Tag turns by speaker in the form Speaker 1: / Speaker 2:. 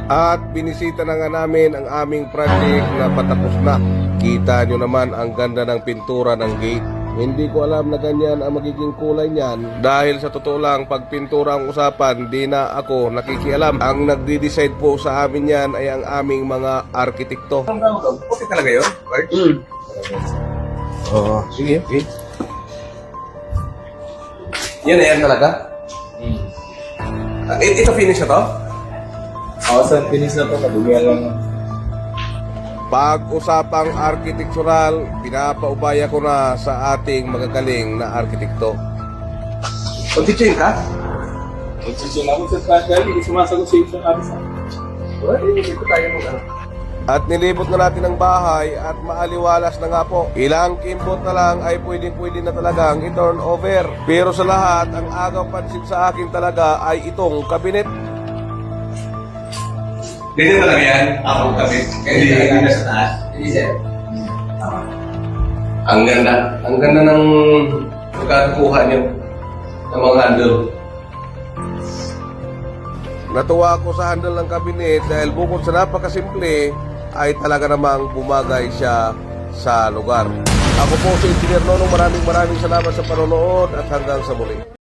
Speaker 1: At binisita na nga namin ang aming project na patapos na. Kita nyo naman ang ganda ng pintura ng gate. Hindi ko alam na ganyan ang magiging kulay niyan. Dahil sa totoo lang, pag pintura ang usapan, di na ako nakikialam. Ang nagdi-decide po sa amin yan ay ang aming mga arkitekto.
Speaker 2: Okay talaga yun? Right?
Speaker 1: Oo, sige, okay.
Speaker 2: Yan na yan talaga? Ito finish na to?
Speaker 3: Oo, sa finish na to, kadumihan lang.
Speaker 1: Pag-usapang arkitektural, pinapaubaya ko na sa ating magagaling na arkitekto.
Speaker 2: Mag-teaching ka?
Speaker 3: Magsisyon ako sa special, hindi sumasagot sa isang abisa.
Speaker 2: Well, hindi ko tayo mo
Speaker 1: At nilibot na natin ang bahay at maaliwalas na nga po. Ilang kimbot na lang ay pwedeng-pwede na talagang i-turn over. Pero sa lahat, ang agaw pansin sa akin talaga ay itong kabinet.
Speaker 2: Ganyan talaga yan? Ako kami. Hindi na sa taas? Hindi sir. Ang ganda. Ang ganda ng pagkakakuha niyo ng mga handle.
Speaker 1: Natuwa ako sa handle ng kabinet dahil bukod sa napakasimple, ay talaga namang bumagay siya sa lugar. Ako po si Engineer Nonong, maraming salamat sa panonood at hanggang sa muli.